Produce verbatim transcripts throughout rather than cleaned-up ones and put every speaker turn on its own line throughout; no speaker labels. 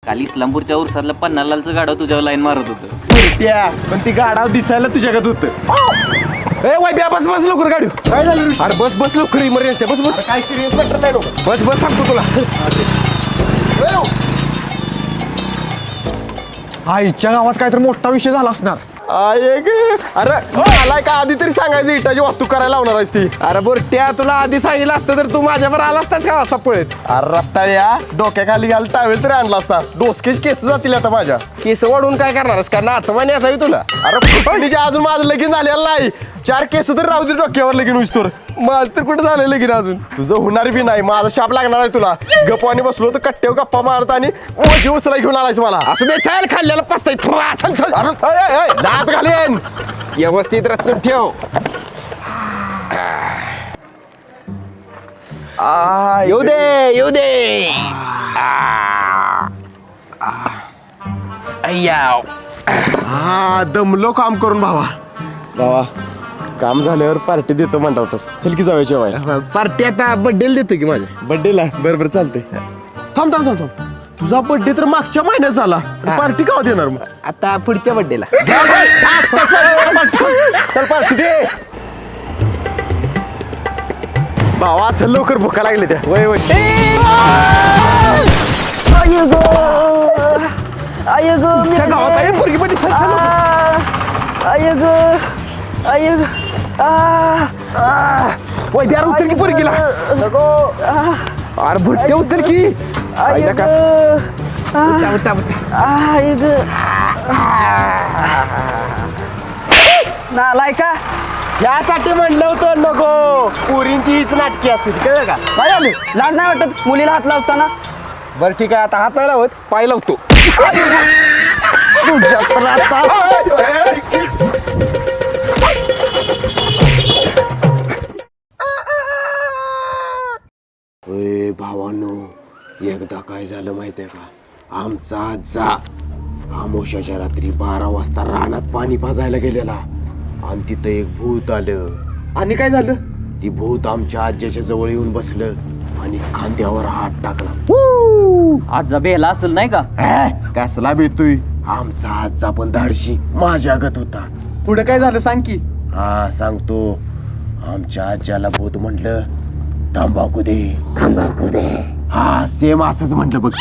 काल इस्लामपूरच्या उरसातलं पन्नालालचं गाडव तुझ्यावर लाईन मारत होतं.
त्या पण ती गाडाव दिसायला तुझ्याकडे होतं.
ए वाय बस बस लवकर गाडी.
काय झालं?
अरे बस बस लवकर इमर्जन्सी बस बस.
काय सिरियस मॅटर नाही डोकं.
बस बस सांगतो तुला.
आईच्या गावात काहीतरी मोठा विषय झाला असणार.
आये गे. अरे मला का आधी तरी सांगायचं इटाची वाहतूक करायला लावणार आहेस ती.
अरे बोरट्या तुला आधी सांगितलं असतं तर तू माझ्यावर आला असतास का असा पळत.
अरे रत्ताळ्या डोक्याखाली घाल टावेल तरी आणला असता. डोसकेच केस जातील आता माझ्या.
केस वाढून काय करणारस का नाचवानी असावी तुला.
अरे फुटणीच्या अजून माझं लगीन झालेलं नाही. चार केस तर राहू दे डोक्यावर लगीन उचतोर.
माझं तर कुठं झालं लगीन अजून.
तुझं होणार बी नाही. माझा शाप लागणार आहे तुला. गप्पाने बसलो तर कट्ट्यावर गप्पा मारत आणि ओझी उचला घेऊन आलायस मला.
असं दे चाल खाल्ल्याला पसताय. चल चल
अरे दात घालेन.
व्यवस्थित रचून ठेव.
आ,
येऊ दे येऊ दे. अय्याव.
हा दमलो काम करून भावा. भावा काम झाल्यावर पार्टी देतो म्हणता होतास. चल की जाऊया जेवायला.
पार्टी आता बड्डेला देतो की माझ्या.
बर्थडेला बरं बरं चालतंय. थांब थांब थांब थांब. तुझा बर्थडे तर मागच्या महिन्यात झाला. पार्टी का देणार मग?
आता पुढच्या बड्डेला.
चल पार्टी दे. भावा चल लवकर भुका लागले त्या.
वय वय. गावात आहे पोरगी मध्ये. वय द्या उचल की पोरगीला. अरे भुट्टे उचल की. आईला का? उठा, उठा, उठा.
नालाय का
यासाठी म्हणलं होतं नको. पुरींची हीच नाटकी असते कळलं का?
काय झालं? लाज नाही वाटत मुलीला हात लावताना?
बरं ठीक आहे आता हात नाही लावत पाय लावतो.
तुझ्या त्राचा
ए भावांनो एकदा काय झालं माहितीये का? आमचा आजा आमोशाच्या रात्री बारा वाजता रानात पाणी पाजायला गेलेला आणि तिथं एक भूत आलं.
आणि काय झालं?
ती भूत आमच्या आज्याच्या जवळ येऊन बसलं आणि खांद्यावर हात टाकला.
आज जबेला असेल नाही का?
कसला भेटतोय? आमचा आजचा पण धाडशी माझ्यागत होता.
पुढे काय झालं सांग की.
हा सांगतो. आमच्या आज्याला भूत म्हटलं तंबाखू दे तंबाखू दे. हा सेम असंच म्हटलं बघ.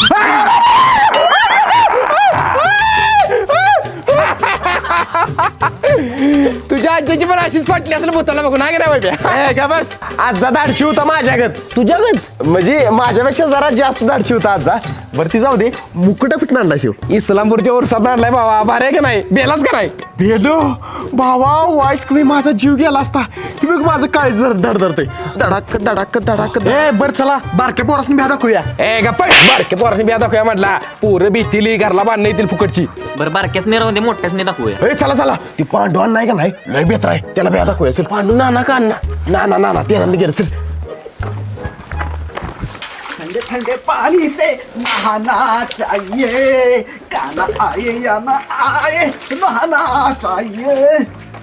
तुझ्या आजीची पण अशीच फाटली असेल भूताला बघून हा गेला
ए, का बस आजचा धाडशी होता माझ्यागत.
तुझ्यागत
म्हणजे माझ्यापेक्षा जरा जास्त धाडशी होता आजचा. वरती जाऊ दे. मुकुट फिटणार आणला शिव.
इस्लामपूरच्या वर्षात आणलाय बाबा. भारी का नाही? बेलाच का नाही?
भेलो भावा वाईस कमी माझा जीव गेला असता. ही बघ माझं काय जर धडधडतंय. धडाक धडाक धडाक.
ए बर चला बारक्या पोरासनी भ्या दाखवूया.
ए गप्पा बारके पोराशी बिया दाखवूया म्हटला. पोरं भीतीली घरला बांधणं येतील फुकटची.
बरं बारक्यासने राहून दे मोठ्यासने दाखवूया.
ए चला चला. ती पांडवान नाही का नाही लय बेहतर आहे. त्याला भ्या दाखवूया. चल पांडू नाना का अण्णा नाना नाना ते गेलं. चल
ठंडे ठंडे पानी से नहाना चाहिए. गाना आए या ना आए नहाना चाहिए.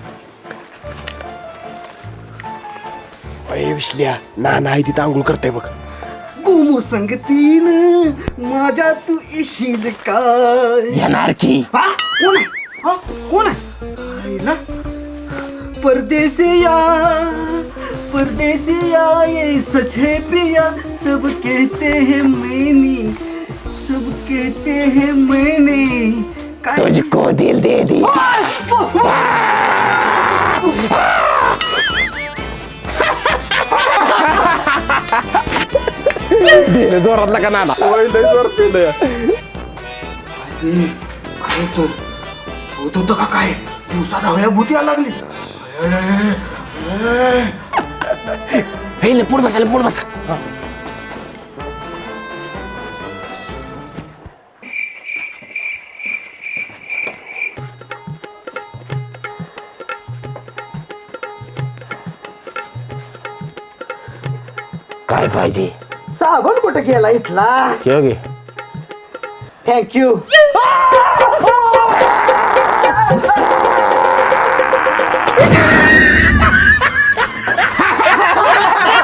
अय विसल्या नाना आहे तिथं आंघोळ करते बघ.
गुमू संगतीन माझ्या तू येशील काय?
येणार की.
हा कोण आहे? हा कोण आहे? आईला परदेसिया परदेसिया ये सच है पिया. सब कहते हैं मैंने सब कहते हैं मैंने. काय
तुझको दिल दे दी. जोरातला का नाना.
काय होतं होत होतं का काय? दिवसा धावया भूती यायला लागली.
हे पुढे बसायला पुढे बसा. काय पाहिजे?
साबण कुठं गेला इथला?
ठेव घे.
थँक्यू.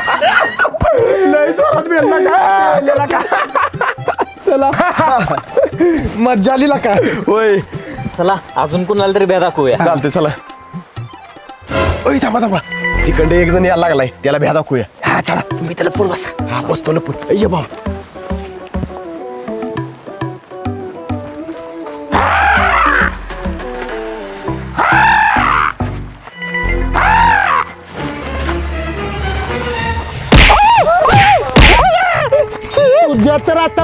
लय जोरात बेलला का?
चला
मज्जा आली का होय
चला अजून कुणाला तरी भ्या दाखवूया.
चालते चला. ओय थांबा थांबा तिकडे एक जण यायला लागलाय त्याला भ्या दाखवूया. हा चला तुम्ही त्याला पूल बसा. हा बसतो लपून. ये बा तर आता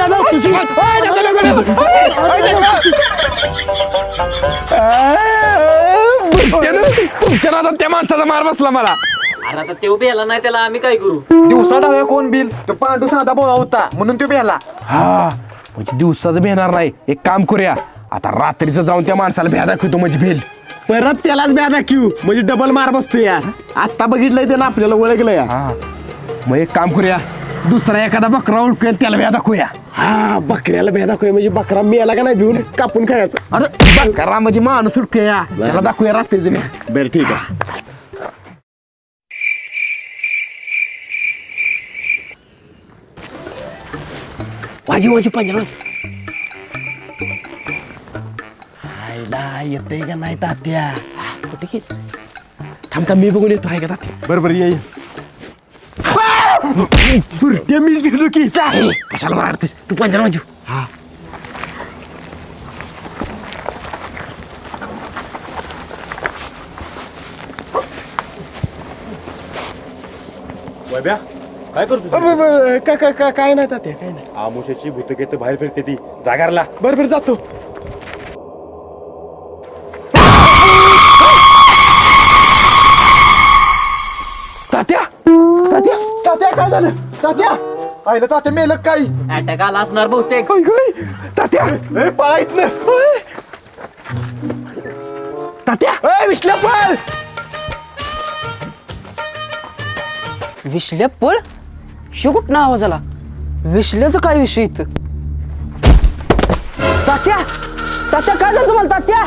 तुमच्या त्या माणसाचा मार बसला मला.
अरे आता ते उभे याला नाही त्याला आम्ही काय करू.
दिवसा डाव्या कोण बिल तो पांडू साधा बोळा होता म्हणून तो प्याला.
हा म्हणजे दिवसाचं भेणार नाही. एक काम करूया आता रात्रीचं जाऊन त्या माणसाला भ्या दाखवतो म्हणजे भेल.
परत त्यालाच भ्या दाखवू म्हणजे डबल मार बसतो या. आता बघितलंय त्यानं आपल्याला ओळखलं या.
हा मग एक काम करूया दुसरा एखादा बकरा ओळखूया त्याला भ्या दाखवूया.
हा बकऱ्याला भ्या दाखवूया म्हणजे बकरा मेला का नाही भिवून कापून खायचं.
अरे बकरा म्हणजे माणूस उडकूया त्याला दाखवूया रात्रीचं भ्या.
बरं ठीक आहे. वाजी वाजी पंजाब आईला येते का नाही तात्या. कुठे की
थांब थांब मी बघून येतो आहे का तात्या.
बरोबर ये बुरट्या मीच फिरलो की
कशाला मारतेस तू पंजाब माझी.
हा
काय करतो
काय काय काय काय नाही तात्या काय नाही.
आमुष्याची भूतकेत बाहेर फिरते ती जागारला.
बरोबर जातो.
तात्या
तात्या तात्या काय झालं तात्या आईला तात्या मेलं काय.
अटॅक आला असणार बहुतेक.
काय काय तात्या
ए, पळा इथनं.
तात्या
ए, विश्ल्या पळ.
विश्ल्या पळ शो कुठं आवाज आला. विश्ल्याचं काय विषय इथं. तात्या तात्या काय झालं तुम्हाला तात्या.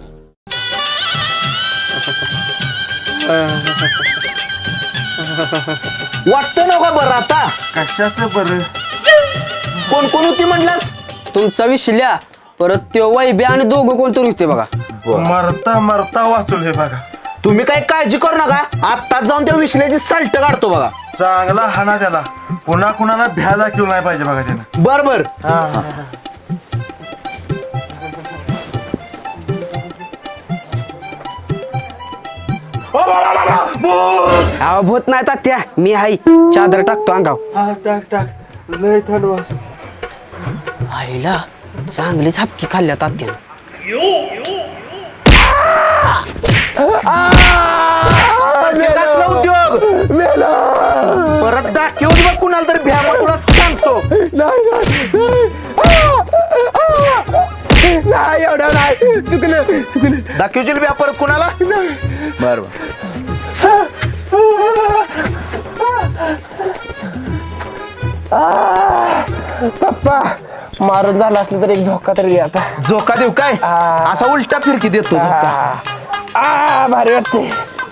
वाटतं ना का बरं आता.
कशाचं बरं.
कोण कोण होती म्हणलास.
तुमचा विश्ल्या परत त्यो वैब्या आणि दोघं कोणतरी होते बघा.
मरता मरता वाचून हे बघा.
तुम्ही काही काळजी करू नका आत्ताच जाऊन त्या विश्ल्याची सल्ट काढतो बघा.
चांगला हाना त्याला. पुन्हा कुणाला भ्या दाखवू नाही पाहिजे बघा त्यानं.
बर बर
अहो भूत नाही तात्या मी हाय चादर टाकतो अंगाव.
हा टाक टाक लय थंड वास.
आईला चांगलीच हपकी खाल्ल्या तात्यानं.
उद्योग परत दाखवू बघ कुणाला तरी भ्या मग तुला सांगतो.
नाही एवढं नाही चुकलं चुकलं.
दाखवशील भ्या परत कुणाला. बर बर
पप्पा मारून झाला असलं तर एक झोका तरी घे आता.
झोका देऊ काय असा उलटा फिरकी देतो झोका.
आ भारी वाटते.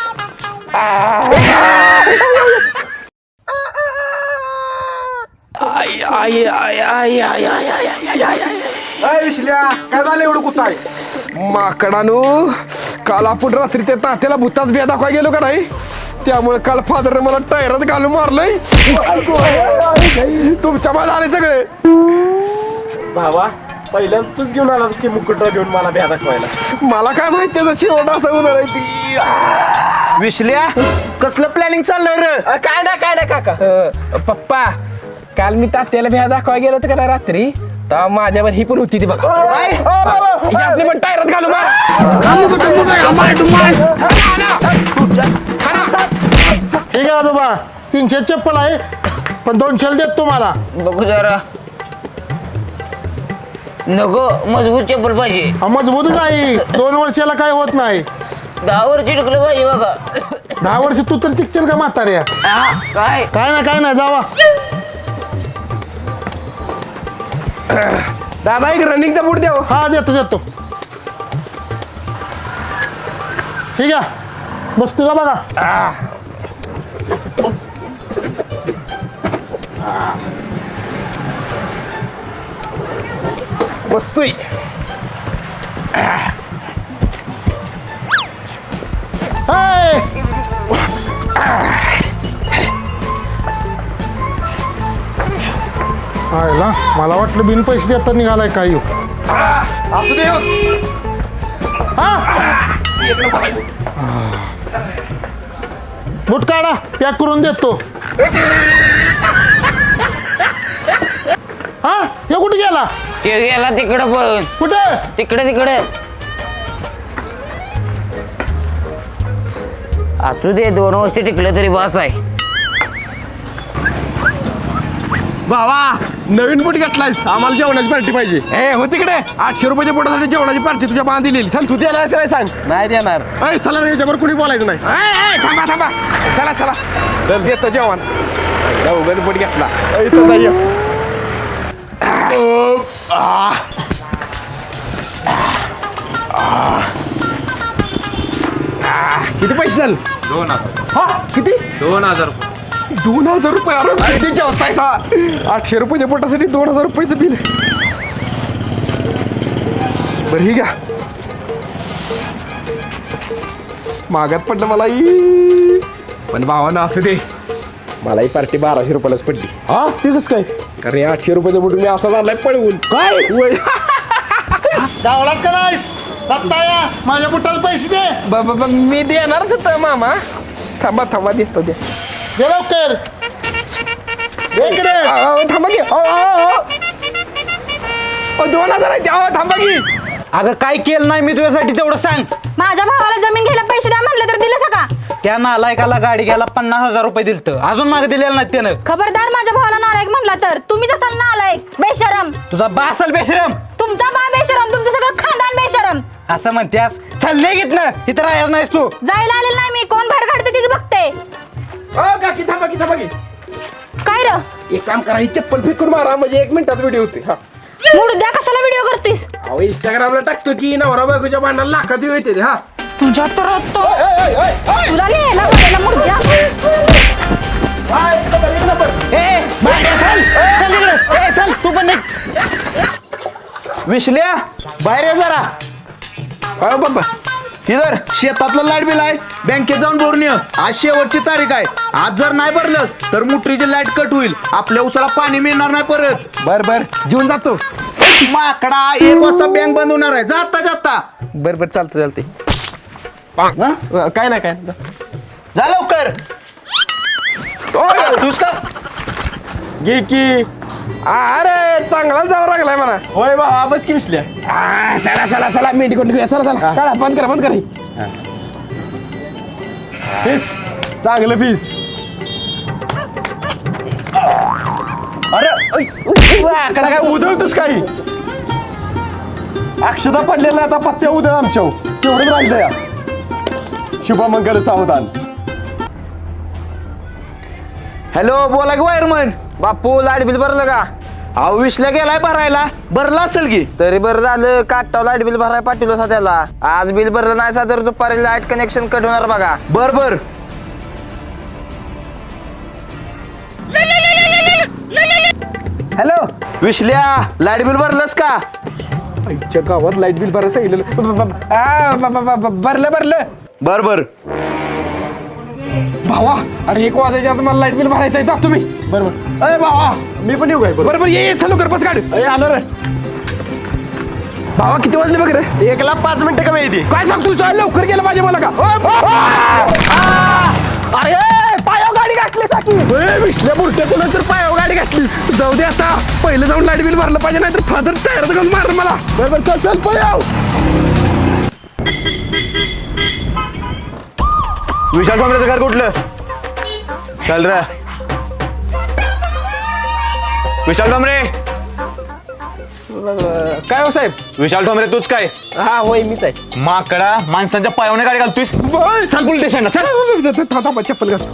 आई आई आई आई आई आई आई आई आई
विश्ल्या काय झालं एवढं कुठं आहे.
माकडानू काल आपण रात्री त्या तात्याला भूताच बिया दाखवा गेलो का नाही त्यामुळे काल फादर मला टायरात घालून मारलंय. तुमच्या मला आले सगळे.
भावा पहिल्यांदा तूच घेऊन आलास की मुकुटरा घेऊन मला भ्या दाखवायला.
मला काय माहिती त्याचा शेवट असा होणार आहे ती.
विश्ल्या कसलं प्लॅनिंग चाललंय रे.
काय ना काय ना काका.
अ, पप्पा काल मी तात्याला भ्या दाखवा गेलो होतो का नाही रात्री तेव्हा माझ्यावर ही पण होती ती बघा. यासनी पण टायरात घालू मार.
ठीक आहे आजोबा तीनशे चप्पल आहे पण दोनशे देत तुम्हाला.
बघू जरा नको मजबूत चप्पल पाहिजे.
हा, मजबूतच आहे दोन वर्षाला काय होत नाही.
दहा वर चिटकलं पाहिजे बघा.
दहा वर्ष तू तर टिकशील का म्हाताऱ्या.
हा, काय
काय ना काय नाही जावा.
दादा एक रनिंगचा बूट द्या.
हा देतो देतो. ठीक आहे बसतो का बघा.
बसतोय.
हाय. आयला मला वाटलं बिन पैसे देता निघालाय काय ह्यो.
असू दे
हा बूट काढा पॅक करून देतो. हा हे कुठे गेला
ते गेला तिकडं पण
कुठे
तिकडे तिकडे असू दे दोन वर्ष टिकलं तरी बस आहे.
भावा नवीन बूट घेतलायस आम्हाला जेवणाची पार्टी पाहिजे.
ए हो तिकडे आठशे रुपयाच्या पोटासाठी जेवणाची पार्टी तुझ्या बांध दिलेली. चल
तू त्याला असं सांग.
नाही देणार.
अय चला रे याच्यावर कुणी बोलायचं नाही.
ए, ए, थांबा थांबा चला चला चल देतो जेवण. उगन पोट घेतला.
अय, इथं जा, ये. आ.
किती पैसे झाले?
दोन हजार
हा किती?
दोन हजार रुपये.
दोन हजार रुपये. अरे किती जेवताय सा? आठशे रुपयाच्या पोटासाठी दोन हजार रुपयाचं बिल. बरं ही घ्या. मागात पडलं मला ही. पण भावानं असं दे मला ही पार्टी बाराशे रुपयालाच पडली.
हा ते कसं काय
अरे आठशे रुपयाचं बुट मी असा झालाय पळवून.
काय
वय.
गावालाच का नाहीस रत्ता या माझ्या बुटाला पैसे दे.
ब- ब- ब- मी देणारच होतं मामा. थांबा थांबा देतो दे.
दे लवकर दे इकडे.
अहो, थांबा की. अहो, अहो, अहो. अहो, दोन हजार आहे. अहो, थांबा की.
अगं काय केलं नाही मी तुझ्यासाठी तेवढं सांग.
माझ्या भावाला जमीन घ्यायला पैसे द्या म्हणलं तर दिलं का?
त्या नालायकाला गाडी घ्यायला पन्नास हजार रुपये दिलत अजून मागे दिलेलं नाही त्यानं.
खबरदार माझ्या भावाला नालायक म्हणला तर तुम्ही जसा नालायक बेशरम.
तुझा बासल बेशरम.
तुमचा बा बेशरम तुमचं सगळं खानदान बेशरम.
असं म्हणत्यास चालले घेत ना इथं राहायच नाहीस तू.
जायला आलेलं नाही मी कोण बाहेर काढते तीच बघते.
अहो, काकी थांबा की थांबा की.
काय र
एक काम करा ही चप्पल फेकून मारा म्हणजे एक मिनिटात व्हिडिओ होते. हा
मुडद्या कशाला व्हिडिओ करतोयस?
अहो इंस्टाग्रामला टाकतो की नवरा बायकोच्या भांडणाला लाखात व्ह्यू येते. हा
तुझ्या तर तो
ओय, ओय, ओय, ओय.
तुला लिहायला बोलायला मुडद्या.
हा, एक नंबर, एक नंबर.
ए बाहेर चल चल इकडे. ए चल तू पण निघ. विसल्या बाहेर ये जरा.
अहो बाबा
इधर शेतातलं लाईट बिल आहे बँकेत जाऊन भरून ये. आज शेवटची तारीख आहे. आज जर नाही भरलंस तर मुठरीची लाईट कट होईल. आपल्या उसाला पाणी मिळणार नाही परत.
बर बर जेवून जातो.
माकडा एक वाजता बँक बंद होणार आहे. जाता जाता
बर बर चालतं चालते. काय नाही काय नाही.
जा लवकर.
ओय,
तूच का
घे की. अरे चांगला जावं लागलाय मला.
होय भावा बस की विसल्या.
आ, चला चला चला मेंढी कोण घेऊया. चला चला चला बंद करा बंद करा.
पीस चांगलं पीस. अरे ऐ, आकडा काय उधळतोस काही अक्षता पडलेला आता पत्त्या उधळ आमच्या तेवढंच राहिलं या. शुभमंगल सावधान.
हॅलो बोला की वायरमन. बापू लाईट बिल भरलं का? अहो विसल्या गेलाय भरायला. भरला असेल की. तरी बरं झालं काटाव लाईट बिल भरायला पाठवलं सा त्याला. आज बिल भरलं नाही सा तर दुपारी लाईट कनेक्शन कट होणार बघा. बर बर
हॅलो
विसल्या लाईट बिल भरलंस का?
आमच्या गावात लाईट बिल भरायला सांगितलेलं. ब- ब- आ, ब- ब- ब- ब- भरलं भरलं.
बर बर
भावा अरे एक वाजायच्या आता मला लाईट बिल भरायचं आहे. जातो मी.
बरोबर अरे भावा मी पण येऊ काय बरोबर.
बरोबर ये ये, चल लवकर बस गाडी.
अरे आलो रे.
भावा किती वाजले बघ रे.
एकला पाच मिनिटं कमी येते.
काय सांगतो चल लवकर गेलं पाहिजे मला का. अरे पायावर गाडी घातली साकी. विसल्या बुरट्यातून नंतर पायावर गाडी घातलीस. जाऊ दे आता पहिलं जाऊन लाईट बिल भरलं पाहिजे नाही तर फादर टायर घालून मारलं मला. बरोबर चल चल पायाव.
विशाल कॉम्प्रेचं घर कुठलं? चल रे विशाल ठोंबरे.
काय हो साहेब.
विशाल ठोंबरे तूच काय?
हा होय मीच आहे.
माकडा माणसांच्या पायावने गाडी घालतोयस. चल पोलीस स्टेशनला चल.
थांबा चप्पल घाल.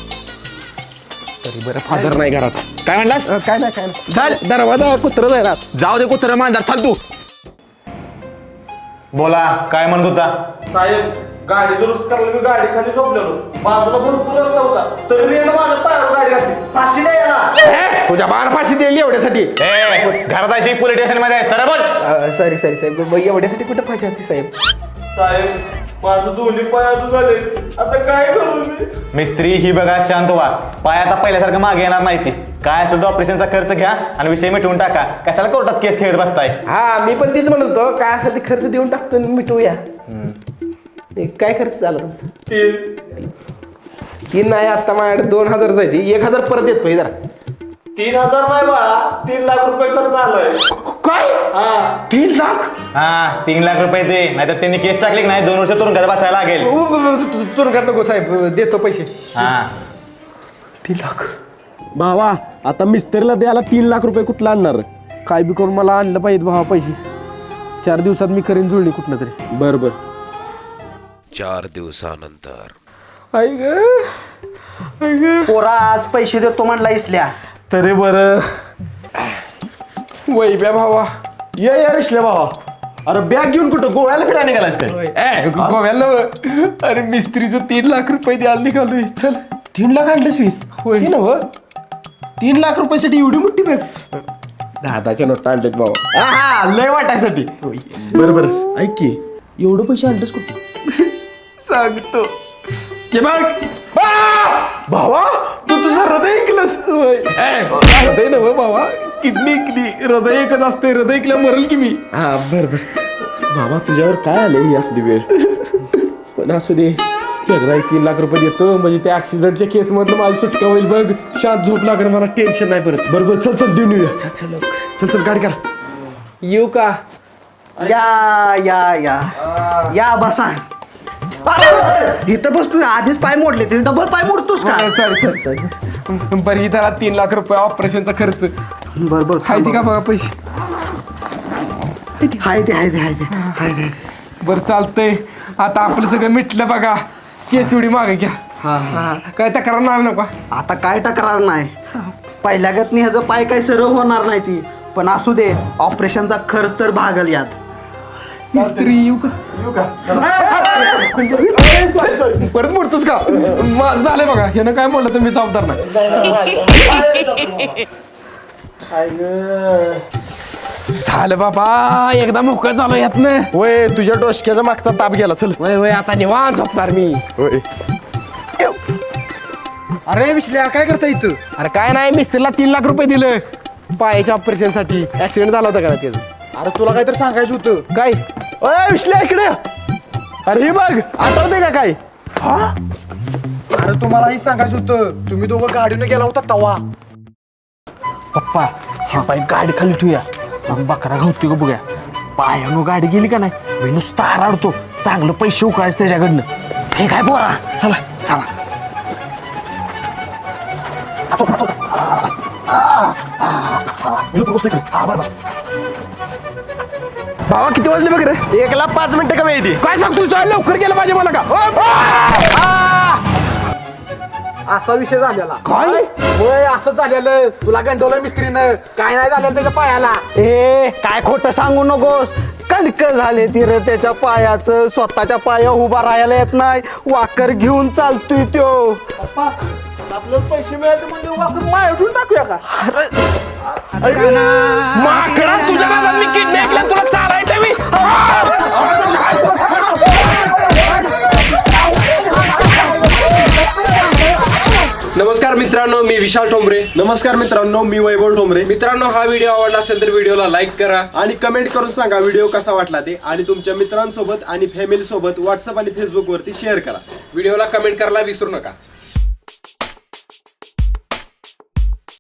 तरी बरं फादर नाही घरात.
काय म्हणलास?
अ, काय नाही काय नाही. चल दरवाजा कुत्र जायला.
जाऊ दे कुत्र मांजर फालतू. बोला काय म्हणत होता?
साहेब
गाडी दुरुस्त करायला मी गाडी खाली झोपलेलो बाजूला भरपूर रस्ता होता तरी मी यांना माझ्या पायावर गाडी घातली फाशी नाही याला तुझ्या बाण फाशी दिली एवढ्यासाठी
घरात अशी पोलीस स्टेशन मध्ये आहे सर बोल.
सॉरी सॉरी साहेब मग एवढ्यासाठी कुठं फाशी होती साहेब
साहेब माझं दोन्ही पाय अजून झाले आता काय करू मी.
मिस्त्री ही बघा शांत व्हा. पाय आता पहिल्यासारखं मागे येणार नाही ती. काय असेल तो ऑपरेशनचा खर्च घ्या आणि विषय मिटवून टाका. कशाला कोर्टात केस खेळत बसताय.
हा मी पण तीच म्हणत होतो काय असेल ते खर्च देऊन टाकतो आणि मिटवूया. ते काय खर्च झाला तुमचा? तीन नाही आता माझ्याकडे दोन हजार जायची एक हजार परत येतोय जरा.
तीन हजार नाही बाळा तीन लाख रुपये खर्च आलाय.
काय तीन लाख
हा तीन लाख रुपये दे नाहीतर त्यांनी केस टाकली की नाही दोन वर्ष तुरुंगात बसायला लागेल.
तुरुंगात नको साहेब देतो पैसे.
हा
तीन लाख
भावा आता मिस्त्रीला द्यायला तीन लाख रुपये कुठला आणणार?
काय बी करून मला आणलं पाहिजे भावा पैसे. चार दिवसात मी करीन जुळणी कुठनं तरी.
बर बर.
चार दिवसानंतर
आई ग आई ग
पोरा आज पैसे देतो म्हणला इसल्या.
तरी बरं वैब्या भावा
ये या विश्ले भावा. अरे बॅग घेऊन कुठं गोव्याला फिरायला निघालास काय?
ए, गोव्याला नव्ह. अरे मिस्त्रीचं तीन लाख रुपये द्यायला निघालोय. चल
तीन लाख आणलेस मी?
होय
तीन हो तीन लाख रुपयासाठी एवढी मोठी बॅग? दादाच्या नोट आणलेत भावा. हा लय वाटायसाठी. बरं बरं ऐक की एवढं पैसे आणलेस कुठे?
सांगतो के बघ भावा तू तुझं हृदय ऐकलंस. हृदय नव्ह भावा किडनी ऐकली. हृदय एकच असते हृदय ऐकल्या मरल की मी.
हा बर बर. बाबा तुझ्यावर काय आले ही असली वेळ?
पण असू दे एकदा एक तीन लाख रुपये देतो म्हणजे त्या ऍक्सिडेंटच्या केस मधलं माझी सुटका होईल बघ. शांत झोप लागेल मला टेन्शन नाही परत.
बरोबर चल चल देऊन येऊया. चल चल गाडी काढ.
येऊ का?
या या या या बसा. इथं बस तू आधीच पाय मोडले तरी डबल पाय मोडतोस का?
सॉरी सॉरी सॉरी बरं ही त्याला तीन लाख रुपये ऑपरेशनचा खर्च
बर बर
हाय ती का बघा पैसे.
हाय ते हाय ते हाय ते हाय ते.
बरं चालतंय आता आपलं सगळं मिटलं बघा. केस तेवढी मागे घ्या.
हा
हा काय तक्रार नाही नको.
आता काय तक्रार नाही. पहिल्या गतनी ह्याचं पाय काही सरळ होणार नाही ती पण असू दे ऑपरेशनचा खर्च तर भागल यात.
मिस्त्री येऊ का? परत मोडतोस का? माझं झालंय बघा ह्यानं काय म्हणलं तर मी जबाबदार नाही. झालं बाबा एकदा मोकळं झालो यातनं.
वय तुझ्या डोसक्याचा मागचा ताप गेला. चल
वय वय आता निवांत झोपणार मी.
होय.
अरे विश्ल्या काय करता इथं? अरे काय नाही मिस्त्रीला तीन लाख रुपये दिलं पायाच्या ऑपरेशन साठी. ऍक्सिडेंट झाला होता का त्याचं?
अरे तुला काहीतरी सांगायचं होतं.
काय?
अय विश्ले इकडे. अरे हे बघ आठवते का काय?
अरे तुम्हाला हे सांगायचं होतं तुम्ही दोघं गाडीनं गेला होता तवा.
पप्पा ह्या पाय गाडी खाली ठेवूया मग बकरा घावतोय का बघूया. पायानं गाडी गेली का नाही मी नुसता आराडतो. चांगलं पैसे उकळायचं त्याच्याकडनं. हे काय पोरा चला चला. भावा किती वाजले बघ रे?
एकला पाच मिनिटं कमी येते.
काय सांगतो लवकर गेलं पाहिजे मला का?
असा विषय झालेला.
काय?
होय असं झालेलं तुला गंडवलं मिस्त्रीनं काय नाही झालेलं त्याच्या पायाला.
ए काय खोटं सांगू नकोस. कणक झाले ती रे त्याच्या पायाचं. स्वतःच्या पाया उभा राहायला येत नाही. वाकर घेऊन चालतोय त्यो.
आपल्याला पैसे मिळाले म्हणजे वापरून मायटून टाकूया का?
माकडा तुझ्या नादात मी किडनी ऐकल्या तुला चारायचं मी. नमस्कार मित्रांनो मी विशाल ठोंबरे.
नमस्कार मित्रांनो मी वैभव ठोंबरे.
मित्रांनो हा व्हिडिओ आवडला असेल तर व्हिडिओला लाईक करा
आणि कमेंट करून सांगा व्हिडिओ कसा वाटला ते. आणि तुमच्या मित्रांसोबत आणि फॅमिली सोबत व्हॉट्सअप आणि फेसबुक वरती शेअर करा.
व्हिडिओला कमेंट करायला विसरू नका.